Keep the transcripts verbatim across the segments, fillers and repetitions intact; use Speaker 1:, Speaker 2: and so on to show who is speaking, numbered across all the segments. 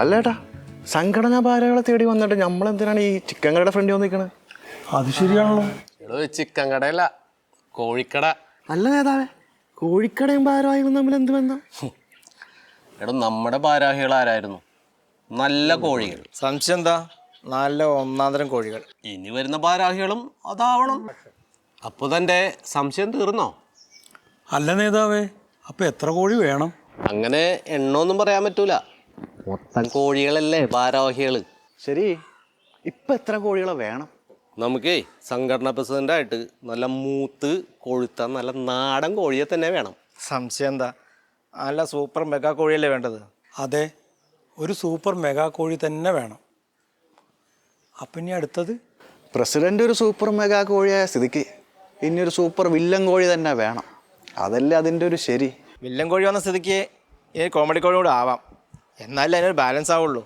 Speaker 1: അല്ലേട്ടാ, സംഘടനാ ഭാരകളെ തേടി വന്നിട്ട് നമ്മളെന്തിനാണ് ഈ ചിക്കൻ കടയുടെ ഫ്രണ്ട് വന്നിരിക്കണത്?
Speaker 2: അത് ശരിയാണല്ലോ.
Speaker 3: എടോ ചിക്കൻ കടയല്ല, കോഴിക്കട.
Speaker 1: അല്ല നേതാവേ, കോഴിക്കടയും ഭാരവാഹികളും തമ്മിൽ എന്ത് ബന്ധം?
Speaker 3: എടോ നമ്മുടെ ഭാരാഹികൾ ആരായിരുന്നു? നല്ല കോഴികൾ.
Speaker 4: സംശയം എന്താ? നല്ല ഒന്നാന്തരം കോഴികൾ.
Speaker 3: ഇനി വരുന്ന ഭാരാഹികളും അതാവണം. അപ്പോൾ തൻ്റെ സംശയം തീർന്നോ?
Speaker 2: അല്ല നേതാവേ, അപ്പൊ എത്ര കോഴി വേണം?
Speaker 3: അങ്ങനെ എണ്ണമൊന്നും പറയാൻ പറ്റൂല. മൊത്തം കോഴികളല്ലേ ഭാരാഹികൾ.
Speaker 1: ശരി, ഇപ്പൊ എത്ര കോഴികളെ വേണം?
Speaker 3: നമുക്കേ സംഘടനാ പ്രസിഡൻ്റായിട്ട് നല്ല മൂത്ത് കൊഴുത്ത നല്ല നാടൻ കോഴിയെ തന്നെ വേണം.
Speaker 4: സംശയം എന്താ? നല്ല സൂപ്പർ മെഗാ കോഴിയല്ലേ വേണ്ടത്?
Speaker 2: അതെ, ഒരു സൂപ്പർ മെഗാ കോഴി തന്നെ വേണം. അപ്പം ഇനി അടുത്തത്?
Speaker 1: പ്രസിഡന്റ് ഒരു സൂപ്പർ മെഗാ കോഴിയായ സ്ഥിതിക്ക് ഇനി ഒരു സൂപ്പർ വില്ലൻ കോഴി തന്നെ വേണം. അതല്ലേ അതിൻ്റെ ഒരു ശരി.
Speaker 4: വില്ലൻ കോഴി വന്ന സ്ഥിതിക്ക് ഈ കോമഡി കോഴി കൂടെ ആവാം, എന്നാലേ അതിനൊരു ബാലൻസ് ആവുള്ളൂ.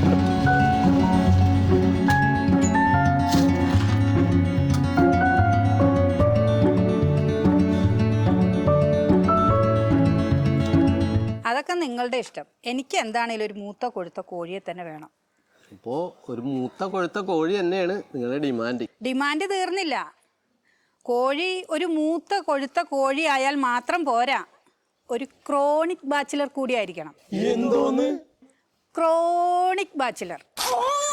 Speaker 5: അതൊക്കെ നിങ്ങളുടെ ഇഷ്ടം. എനിക്ക് എന്താണേലും ഒരു മൂത്ത കൊഴുത്ത കോഴിയെ തന്നെ വേണം.
Speaker 3: അപ്പോൾ ഒരു മൂത്ത കൊഴുത്ത കോഴി തന്നെയാണ് നിങ്ങളുടെ ഡിമാൻഡ്.
Speaker 5: ഡിമാൻഡ് തീർന്നില്ല. കോഴി ഒരു മൂത്ത കൊഴുത്ത കോഴി ആയാൽ മാത്രം പോരാ, ഒരു ക്രോണിക് ബാച്ചിലർ കൂടി ആയിരിക്കണം.
Speaker 2: എന്തോന്ന്?
Speaker 5: Chronic bachelor.